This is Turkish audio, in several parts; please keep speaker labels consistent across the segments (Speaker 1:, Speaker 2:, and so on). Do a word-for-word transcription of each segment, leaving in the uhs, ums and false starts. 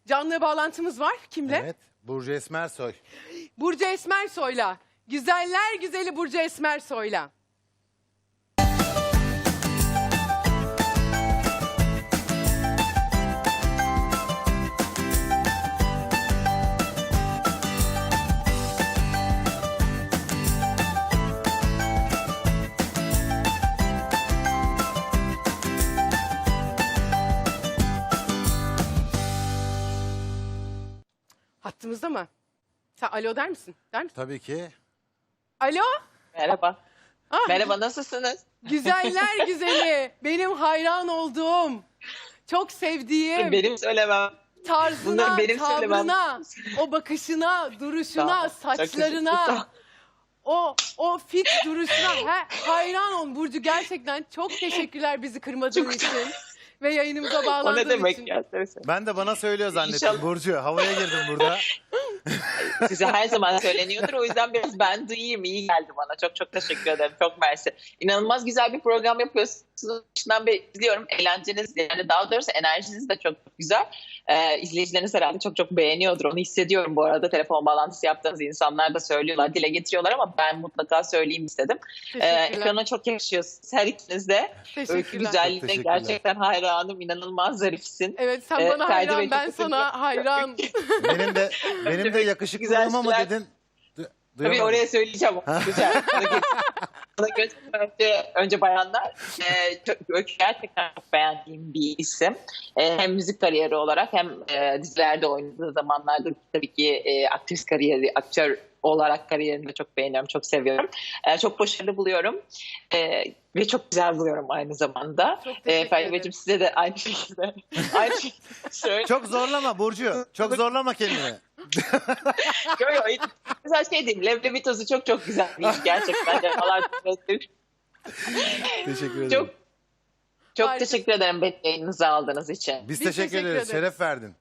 Speaker 1: Canlı bağlantımız var. Kimle?
Speaker 2: Evet. Burcu Esmersoy.
Speaker 1: Burcu Esmersoy'la. Güzeller güzeli Burcu Esmersoy'la. Hattımızda mı? Sen alo der misin? Der misin?
Speaker 2: Tabii ki.
Speaker 1: Alo?
Speaker 3: Merhaba.
Speaker 1: Ah,
Speaker 3: Merhaba, nasılsınız?
Speaker 1: Güzeller güzeli. Benim hayran olduğum, çok sevdiğim,
Speaker 3: Benim söylemem.
Speaker 1: tarzına,
Speaker 3: Bunları benim
Speaker 1: tavrına, o bakışına, duruşuna,
Speaker 3: Tamam, çok teşekkür
Speaker 1: saçlarına,
Speaker 3: ederim.
Speaker 1: o o fit duruşuna he, hayran ol Burcu. Gerçekten çok teşekkürler bizi kırmadığın
Speaker 3: Çok-
Speaker 1: için ve yayınımıza
Speaker 3: O ne
Speaker 1: bağlandığın
Speaker 3: demek
Speaker 1: için.
Speaker 3: ya? Söyle söyle.
Speaker 2: Ben de bana söylüyor zannettim.
Speaker 3: İnşallah.
Speaker 2: Burcu havaya girdim burada.
Speaker 3: Size her zaman söyleniyordur. O yüzden biraz ben duyayım. İyi geldi bana. Çok çok teşekkür ederim. Çok mersi. İnanılmaz güzel bir program yapıyorsunuz. Başından beri izliyorum. Eğlenceniz, yani daha doğrusu enerjiniz de çok güzel. Ee, izleyicileriniz herhalde çok çok beğeniyordur. Onu hissediyorum bu arada. Telefon bağlantısı yaptığınız insanlar da söylüyorlar, dile getiriyorlar ama ben mutlaka söyleyeyim istedim. Ee,
Speaker 1: Teşekkürler.
Speaker 3: ekrana çok yakışıyorsunuz. Her ikiniz de. Öykü
Speaker 1: Teşekkürler.
Speaker 3: güzelliğine
Speaker 2: Çok teşekkürler.
Speaker 3: gerçekten hayranım. İnanılmaz zarifsin.
Speaker 1: Evet sen
Speaker 3: Ee,
Speaker 1: bana
Speaker 3: Ferdi Bey
Speaker 1: hayran,
Speaker 3: çok
Speaker 1: ben
Speaker 3: teşekkür
Speaker 1: sana hayran.
Speaker 2: Benim de benim de yakışıklılığıma mı
Speaker 3: Güzel
Speaker 2: dedin? Du-
Speaker 3: Tabii
Speaker 2: duyamadım.
Speaker 3: oraya söyleyeceğim. Güzel. Ona geç- Ona geçmeden önce, önce bayanlar. E, çok, Öykü gerçekten çok beğendiğim bir isim. E, hem müzik kariyeri olarak hem e, dizilerde oynadığı zamanlarda tabii ki e, aktris kariyeri, aktör olarak kariyerini de çok beğeniyorum, çok seviyorum. E, çok başarılı buluyorum. E, ve çok güzel buluyorum aynı zamanda.
Speaker 1: Çok
Speaker 3: E,
Speaker 1: teşekkür
Speaker 3: Ferdi
Speaker 1: ederim.
Speaker 3: Beyciğim size de aynı şekilde. aynı şekilde söyle.
Speaker 2: Çok zorlama Burcu. Çok zorlama kendini.
Speaker 3: Yok, yok. Mesela şey diyeyim, leblebi tozu çok çok güzel bir iş gerçekten. Defalar
Speaker 2: Teşekkür ederim.
Speaker 3: çok çok
Speaker 1: Harika.
Speaker 3: teşekkür ederim beni yayınınıza aldığınız için.
Speaker 2: Biz,
Speaker 1: Biz
Speaker 2: teşekkür,
Speaker 1: teşekkür
Speaker 2: ederiz.
Speaker 1: ederiz.
Speaker 2: Şeref verdin.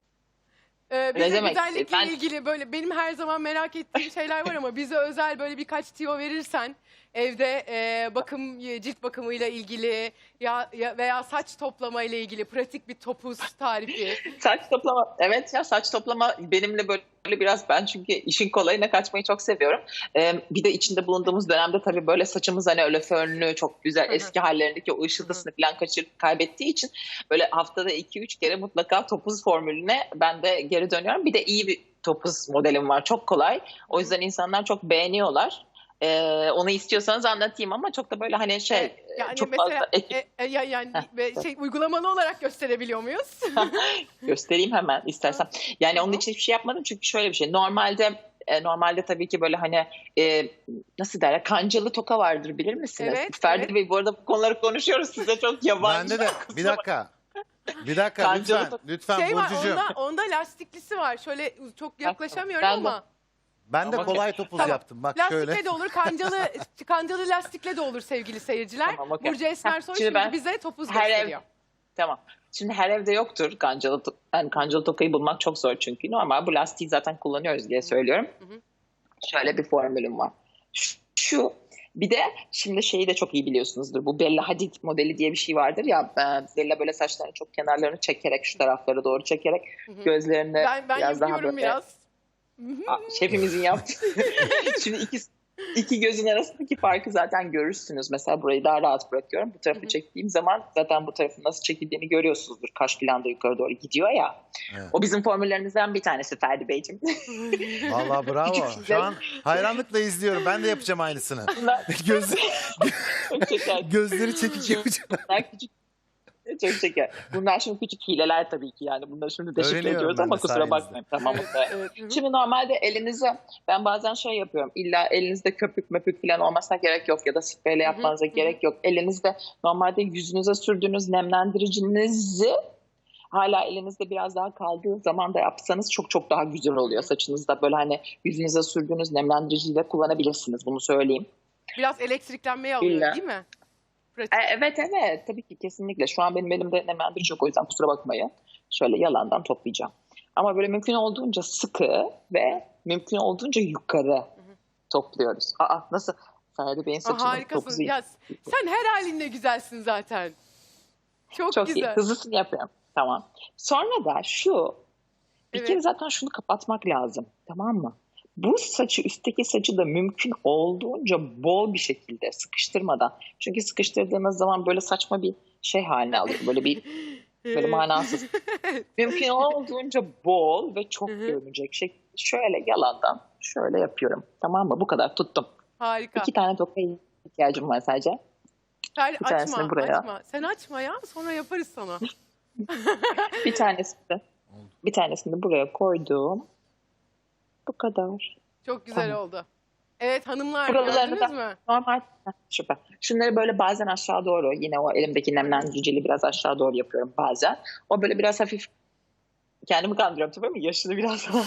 Speaker 1: Ee, bize
Speaker 3: demek?
Speaker 1: güzellikle
Speaker 3: Ben-
Speaker 1: ilgili böyle benim her zaman merak ettiğim şeyler var ama bize özel böyle birkaç tiyo verirsen evde e, bakım cilt bakımıyla ilgili ya, ya veya saç toplama ile ilgili pratik bir topuz tarifi.
Speaker 3: Saç toplama, evet ya, saç toplama benimle böyle biraz, ben çünkü işin kolayına kaçmayı çok seviyorum. Ee, bir de içinde bulunduğumuz dönemde tabii böyle saçımız hani öyle fönlü, çok güzel,
Speaker 1: Hı hı.
Speaker 3: eski hallerindeki o ışıltısını falan kaçır, kaybettiği için böyle haftada iki üç kere mutlaka topuz formülüne ben de geri dönüyorum. Bir de iyi bir topuz modelim var, çok kolay. O yüzden insanlar çok beğeniyorlar. Ee, onu istiyorsanız anlatayım ama çok da böyle hani şey
Speaker 1: E, yani
Speaker 3: çok
Speaker 1: mesela
Speaker 3: fazla ek-
Speaker 1: e, e, ya- yani
Speaker 3: Heh,
Speaker 1: ve şey uygulamalı olarak gösterebiliyor muyuz?
Speaker 3: göstereyim hemen istersen. Yani onun
Speaker 1: Tamam.
Speaker 3: için hiçbir şey yapmadım çünkü şöyle bir şey. Normalde e, normalde tabii ki böyle hani e, nasıl derler, kancalı toka vardır, bilir misiniz?
Speaker 1: Evet,
Speaker 3: Ferdi
Speaker 1: evet.
Speaker 3: Bey, bu arada bu konuları konuşuyoruz, size çok yabancı.
Speaker 2: Bende de bir dakika. Bir dakika
Speaker 3: Kancalı
Speaker 2: lütfen.
Speaker 3: top-
Speaker 2: Lütfen
Speaker 1: şey var
Speaker 2: Burcucuğum.
Speaker 1: onda, onda lastiklisi var. Şöyle çok yaklaşamıyorum
Speaker 3: Ben de-
Speaker 1: ama
Speaker 2: Ben de
Speaker 3: Tamam,
Speaker 2: kolay
Speaker 3: okey.
Speaker 2: topuz
Speaker 1: Tamam.
Speaker 2: yaptım. Bak
Speaker 1: lastikle
Speaker 2: şöyle.
Speaker 1: de olur, kancalı kancalı lastikle de olur sevgili seyirciler.
Speaker 3: Tamam, okey.
Speaker 1: Burcu Esmersoy
Speaker 3: Heh,
Speaker 1: şimdi,
Speaker 3: şimdi ben
Speaker 1: bize topuz
Speaker 3: her ev-
Speaker 1: gösteriyor.
Speaker 3: Tamam. Şimdi her evde yoktur kancalı to- yani kancalı tokayı bulmak çok zor çünkü. Normal bu lastiği zaten kullanıyoruz diye söylüyorum.
Speaker 1: Hı hı.
Speaker 3: Şöyle bir formülüm var. Şu, şu bir de şimdi şeyi de çok iyi biliyorsunuzdur. Bu Bella Hadid modeli diye bir şey vardır ya. e, Bella böyle saçlarını çok kenarlarını çekerek, şu taraflara doğru çekerek
Speaker 1: Hı hı.
Speaker 3: gözlerini
Speaker 1: Ben, ben
Speaker 3: biraz daha
Speaker 1: yapıyorum
Speaker 3: böyle.
Speaker 1: biraz.
Speaker 3: Aa, şefimizin yaptığı. Şimdi iki, iki gözün arasındaki farkı zaten görürsünüz. Mesela burayı daha rahat bırakıyorum. Bu tarafı
Speaker 1: Hı hı.
Speaker 3: çektiğim zaman zaten bu tarafın nasıl çekildiğini görüyorsunuzdur. Kaş filan da yukarı doğru gidiyor ya.
Speaker 2: Evet.
Speaker 3: O bizim formüllerimizden bir tanesi Ferdi Beyciğim.
Speaker 2: Vallahi bravo.
Speaker 3: Küçük
Speaker 2: Şu an hayranlıkla izliyorum. Ben de yapacağım aynısını.
Speaker 3: Bunlar
Speaker 2: Göz,
Speaker 3: çok şeker.
Speaker 2: gözleri çekik yapacağım.
Speaker 3: Bunlar küçük. Çok şeker. Bunlar şimdi küçük hileler tabii ki yani. Bunları şimdi deşifre
Speaker 2: Öğreniyorum
Speaker 3: ediyoruz
Speaker 2: ben
Speaker 3: ama
Speaker 2: de
Speaker 3: kusura
Speaker 2: sayenizde.
Speaker 3: bakmayın. Tamam.
Speaker 1: Evet, evet. Hı hı.
Speaker 3: Şimdi normalde elinize, ben bazen şey yapıyorum, illa elinizde köpük möpük falan olmasına gerek yok ya da spreyle yapmanıza
Speaker 1: hı hı.
Speaker 3: gerek yok. Elinizde normalde yüzünüze sürdüğünüz nemlendiricinizi hala elinizde biraz daha kaldığı zaman da yapsanız çok çok daha güzel oluyor.
Speaker 1: Hı hı.
Speaker 3: Saçınızda böyle hani yüzünüze sürdüğünüz nemlendiriciyi de kullanabilirsiniz, bunu söyleyeyim.
Speaker 1: Biraz elektriklenmeye alıyor
Speaker 3: İlla.
Speaker 1: değil mi? Pratik.
Speaker 3: E, evet evet tabii ki, kesinlikle. Şu an benim elimde nemlendirici yok, o yüzden kusura bakmayın. Şöyle yalandan toplayacağım. Ama böyle mümkün olduğunca sıkı ve mümkün olduğunca yukarı topluyoruz. Aa, nasıl? Ferdi Bey'in
Speaker 1: Aa,
Speaker 3: saçının
Speaker 1: harikasın.
Speaker 3: topuzu
Speaker 1: Ya, sen her halinle güzelsin zaten. Çok,
Speaker 3: çok iyi.
Speaker 1: güzel.
Speaker 3: Hızlısını yapıyorum. Tamam. Sonra da şu Bir
Speaker 1: Evet.
Speaker 3: kere zaten şunu kapatmak lazım. Tamam mı? Bu saçı, üstteki saçı da mümkün olduğunca bol bir şekilde sıkıştırmadan. Çünkü sıkıştırdığınız zaman böyle saçma bir şey haline alıyor. Böyle bir böyle
Speaker 1: Evet.
Speaker 3: manasız. Mümkün olduğunca bol ve çok
Speaker 1: Hı hı.
Speaker 3: görünecek şekilde şöyle yalandan şöyle yapıyorum. Tamam mı? Bu kadar tuttum.
Speaker 1: Harika.
Speaker 3: İki tane tokaya ihtiyacım var sadece.
Speaker 1: Sen
Speaker 3: bir tanesini
Speaker 1: açma,
Speaker 3: buraya.
Speaker 1: açma. Sen açma ya, sonra yaparız sana.
Speaker 3: Bir tanesini bir tanesini de buraya koydum. Bu kadar.
Speaker 1: Çok güzel
Speaker 3: Tamam.
Speaker 1: oldu. Evet hanımlar,
Speaker 3: Buralarını
Speaker 1: gördünüz
Speaker 3: da
Speaker 1: mü?
Speaker 3: normal. Heh, süper. Şunları böyle bazen aşağı doğru, yine o elimdeki nemlendiricili biraz aşağı doğru yapıyorum bazen. O böyle biraz hafif, kendimi kandırıyorum tabii ama yaşını biraz daha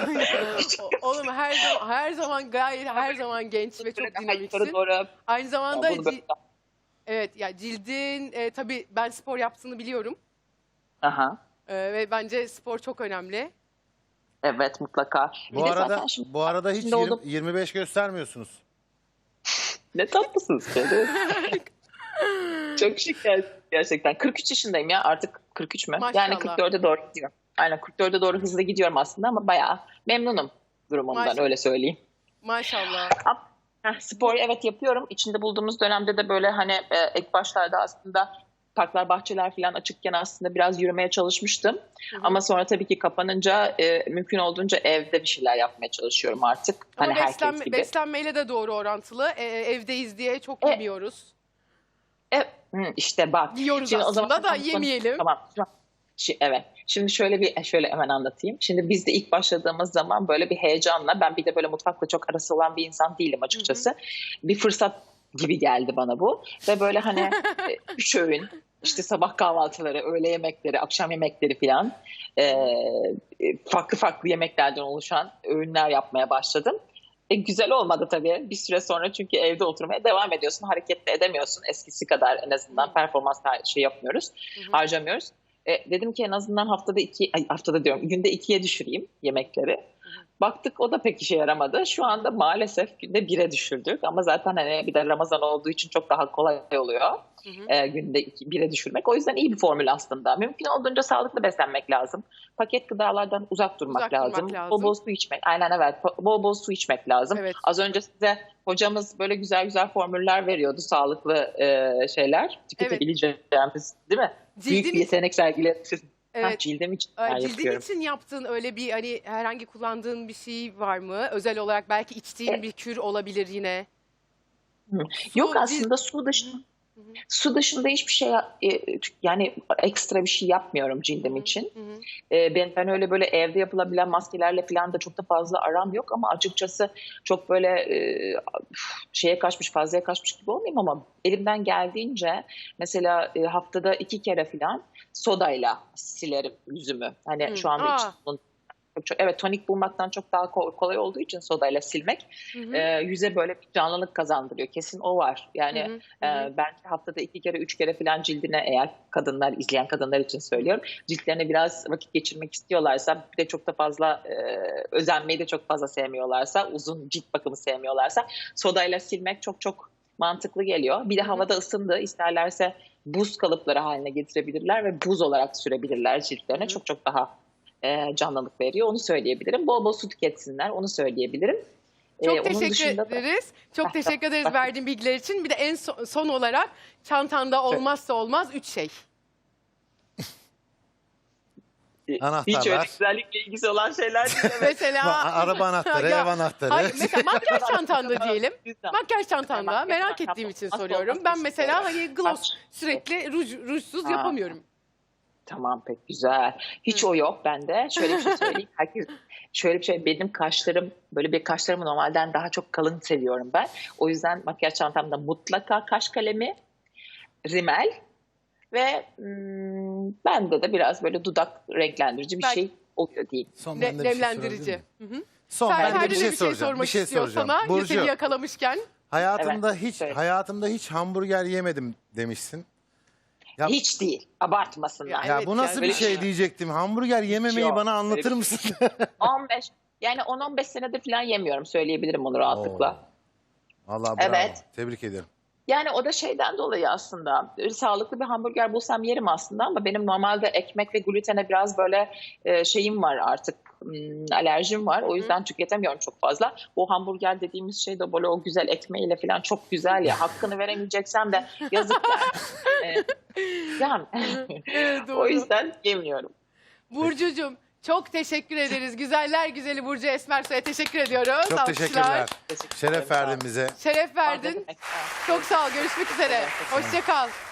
Speaker 1: O- Oğlum her zaman, her zaman gayet her zaman genç ve çok
Speaker 3: Böyle daha
Speaker 1: dinamiksin.
Speaker 3: yukarı doğru.
Speaker 1: Aynı zamanda
Speaker 3: Bunu böyle-
Speaker 1: ci- evet ya cildin e, tabii ben spor yaptığını biliyorum.
Speaker 3: Aha.
Speaker 1: E, ve bence spor çok önemli.
Speaker 3: Evet, mutlaka. Bir
Speaker 2: Bu
Speaker 3: de
Speaker 2: arada
Speaker 3: zaten şimdi-
Speaker 2: bu arada hiç
Speaker 3: şimdi
Speaker 2: yirmi-
Speaker 3: oldu-
Speaker 2: yirmi beş göstermiyorsunuz.
Speaker 3: Ne tatlısınız kedi. Çok şık ger- gerçekten. kırk üç yaşındayım ya, artık kırk üç mü?
Speaker 1: Maşallah.
Speaker 3: Yani kırk dörde doğru gidiyorum. Aynen kırk dörde doğru hızlı gidiyorum aslında ama bayağı memnunum durumumdan,
Speaker 1: Maşallah.
Speaker 3: öyle söyleyeyim.
Speaker 1: Maşallah.
Speaker 3: Heh, spor evet yapıyorum. İçinde bulduğumuz dönemde de böyle hani e, ilk başlarda aslında parklar, bahçeler falan açıkken aslında biraz yürümeye çalışmıştım.
Speaker 1: Hı hı.
Speaker 3: Ama sonra tabii ki kapanınca e, mümkün olduğunca evde bir şeyler yapmaya çalışıyorum artık.
Speaker 1: Ama
Speaker 3: Hani herkes
Speaker 1: beslenme,
Speaker 3: gibi.
Speaker 1: beslenmeyle de doğru orantılı. E, evdeyiz diye çok
Speaker 3: E,
Speaker 1: yemiyoruz.
Speaker 3: E, hı, işte bak.
Speaker 1: Yiyoruz
Speaker 3: Şimdi o
Speaker 1: aslında
Speaker 3: zaman-
Speaker 1: da yemeyelim.
Speaker 3: Tamam. Şu- şi- evet. Şimdi şöyle bir şöyle hemen anlatayım. Şimdi biz de ilk başladığımız zaman böyle bir heyecanla, ben bir de böyle mutfakla çok arası olan bir insan değilim açıkçası. Bir fırsat gibi geldi bana bu. Ve böyle hani e, üç öğün, işte sabah kahvaltıları, öğle yemekleri, akşam yemekleri falan e, e, farklı farklı yemeklerden oluşan öğünler yapmaya başladım. E, güzel olmadı tabii bir süre sonra, çünkü evde oturmaya devam ediyorsun. Hareket de edemiyorsun eskisi kadar, en azından performans şey yapmıyoruz,
Speaker 1: Hı hı.
Speaker 3: harcamıyoruz. E, dedim ki en azından haftada iki, ay, haftada diyorum günde ikiye düşüreyim yemekleri. Baktık o da pek işe yaramadı. Şu anda maalesef günde bire düşürdük. Ama zaten hani bir de Ramazan olduğu için çok daha kolay oluyor.
Speaker 1: Hı hı.
Speaker 3: E, günde iki, bire düşürmek. O yüzden iyi bir formül aslında. Mümkün olduğunca sağlıklı beslenmek lazım. Paket gıdalardan uzak durmak
Speaker 1: Uzak durmak
Speaker 3: lazım.
Speaker 1: lazım.
Speaker 3: Bol bol su içmek. Aynen evet. Bol bol su içmek lazım.
Speaker 1: Evet.
Speaker 3: Az önce size hocamız böyle güzel güzel formüller veriyordu. Sağlıklı e, şeyler. Tüketebileceğimiz, değil mi? Büyük
Speaker 1: Cildin
Speaker 3: bir yetenek sergiledi.
Speaker 1: Evet.
Speaker 3: Ha, cildim için
Speaker 1: Ay,
Speaker 3: ben
Speaker 1: Cildin
Speaker 3: yapıyorum.
Speaker 1: için yaptığın öyle bir hani herhangi kullandığın bir şey var mı? Özel olarak belki içtiğin
Speaker 3: E-
Speaker 1: bir kür olabilir yine.
Speaker 3: Hı.
Speaker 1: Su,
Speaker 3: Yok
Speaker 1: cilt-
Speaker 3: aslında su dışında
Speaker 1: Hı hı.
Speaker 3: su dışında hiçbir şey e, yani ekstra bir şey yapmıyorum cildim
Speaker 1: Hı hı.
Speaker 3: için.
Speaker 1: Hı hı.
Speaker 3: E, ben ben öyle böyle evde yapılabilen maskelerle falan da çok da fazla aram yok ama açıkçası çok böyle e, şeye kaçmış, fazlaya kaçmış gibi olmayayım ama elimden geldiğince mesela e, haftada iki kere falan sodayla silerim yüzümü. Hani
Speaker 1: Hı.
Speaker 3: şu anda
Speaker 1: Aa.
Speaker 3: için çok, çok, evet, tonik bulmaktan çok daha ko- kolay olduğu için sodayla silmek
Speaker 1: Hı hı.
Speaker 3: e, yüze böyle bir canlılık kazandırıyor. Kesin o var. Yani
Speaker 1: Hı hı. Hı hı.
Speaker 3: e, belki haftada iki kere, üç kere falan cildine, eğer kadınlar, izleyen kadınlar için söylüyorum, ciltlerine biraz vakit geçirmek istiyorlarsa, bir de çok da fazla e, özenmeyi de çok fazla sevmiyorlarsa, uzun cilt bakımı sevmiyorlarsa sodayla silmek çok çok mantıklı geliyor. Bir de
Speaker 1: Hı hı.
Speaker 3: havada ısındı, isterlerse buz kalıpları haline getirebilirler ve buz olarak sürebilirler ciltlerine.
Speaker 1: Hı hı.
Speaker 3: Çok çok daha e, canlılık veriyor. Onu söyleyebilirim. Bol bol su tüketsinler. Onu söyleyebilirim.
Speaker 1: Çok
Speaker 3: E, onun
Speaker 1: teşekkür
Speaker 3: dışında da-
Speaker 1: ederiz. Çok teşekkür ederiz verdiğin bilgiler için. Bir de en son, son olarak çantanda olmazsa olmaz üç şey.
Speaker 3: E, Hiç
Speaker 2: Anahtarlar.
Speaker 3: öyle güzellikle ilgisi olan şeyler değil.
Speaker 1: Mesela
Speaker 2: Araba anahtarı,
Speaker 1: Ya,
Speaker 2: ev anahtarı.
Speaker 1: hayır, mesela makyaj çantanda diyelim.
Speaker 3: Güzel.
Speaker 1: Makyaj çantanda
Speaker 3: Makyaj
Speaker 1: merak
Speaker 3: çantam
Speaker 1: ettiğim için
Speaker 3: olmazsa
Speaker 1: soruyorum.
Speaker 3: olmaz
Speaker 1: Ben
Speaker 3: bir
Speaker 1: mesela
Speaker 3: şey.
Speaker 1: hani gloss
Speaker 3: Saç.
Speaker 1: sürekli ruj, rujsuz
Speaker 3: Ha.
Speaker 1: yapamıyorum.
Speaker 3: Tamam, pek güzel. Hiç
Speaker 1: Hı.
Speaker 3: o yok bende. Şöyle bir şey söyleyeyim. Herkes şöyle bir şey, benim kaşlarım böyle bir kaşlarımı normalden daha çok kalın seviyorum ben. O yüzden makyaj çantamda mutlaka kaş kalemi, rimel ve hmm, bende de biraz böyle dudak renklendirici bir
Speaker 1: Belki-
Speaker 3: şey oluyor diyeyim.
Speaker 2: Son
Speaker 1: Ne,
Speaker 2: ben de bir şey
Speaker 1: nemlendirici.
Speaker 2: sorabilir miyim?
Speaker 1: Hı hı.
Speaker 2: Son
Speaker 1: Fer-
Speaker 2: ben de
Speaker 1: Ferdi
Speaker 2: bir
Speaker 1: de
Speaker 2: şey soracağım.
Speaker 1: sormak
Speaker 2: Bir şey
Speaker 1: istiyor
Speaker 2: soracağım.
Speaker 1: sana.
Speaker 2: Burcu,
Speaker 1: Seni yakalamışken.
Speaker 2: hayatımda
Speaker 3: Evet,
Speaker 2: hiç
Speaker 3: söyle.
Speaker 2: hayatımda hiç hamburger yemedim demişsin. Ya,
Speaker 3: Hiç değil. Abartmasınlar.
Speaker 1: Ya,
Speaker 2: ya
Speaker 1: evet,
Speaker 2: bu nasıl
Speaker 1: yani
Speaker 2: bir
Speaker 3: böyle-
Speaker 2: şey diyecektim. Hamburger yememeyi
Speaker 3: yok.
Speaker 2: bana anlatır
Speaker 3: Öyle bir
Speaker 2: mısın?
Speaker 3: on beş yani on on beş senedir falan yemiyorum. Söyleyebilirim onu rahatlıkla.
Speaker 2: Oo. Vallahi bravo.
Speaker 3: Evet.
Speaker 2: Tebrik ederim.
Speaker 3: Yani o da şeyden dolayı aslında. Böyle sağlıklı bir hamburger bulsam yerim aslında ama benim normalde ekmek ve glutene biraz böyle e, şeyim var artık. Hmm, alerjim var. O yüzden tüketemiyorum çok fazla. O hamburger dediğimiz şey de böyle o güzel ekmeğiyle falan çok güzel ya. Hakkını veremeyeceksem de yazık yani. Ee, yani
Speaker 1: Evet,
Speaker 3: o
Speaker 1: doğru.
Speaker 3: yüzden yemiyorum.
Speaker 1: Burcucuğum çok teşekkür ederiz. Güzeller güzeli Burcu Esmersoy'a teşekkür ediyoruz.
Speaker 2: Çok
Speaker 1: Alkışlar.
Speaker 2: teşekkürler.
Speaker 3: Teşekkür
Speaker 2: Şeref
Speaker 3: ederim.
Speaker 2: verdin bize.
Speaker 1: Şeref
Speaker 3: Sağ olun.
Speaker 1: verdin. Çok sağ ol. Görüşmek üzere. Hoşça kal.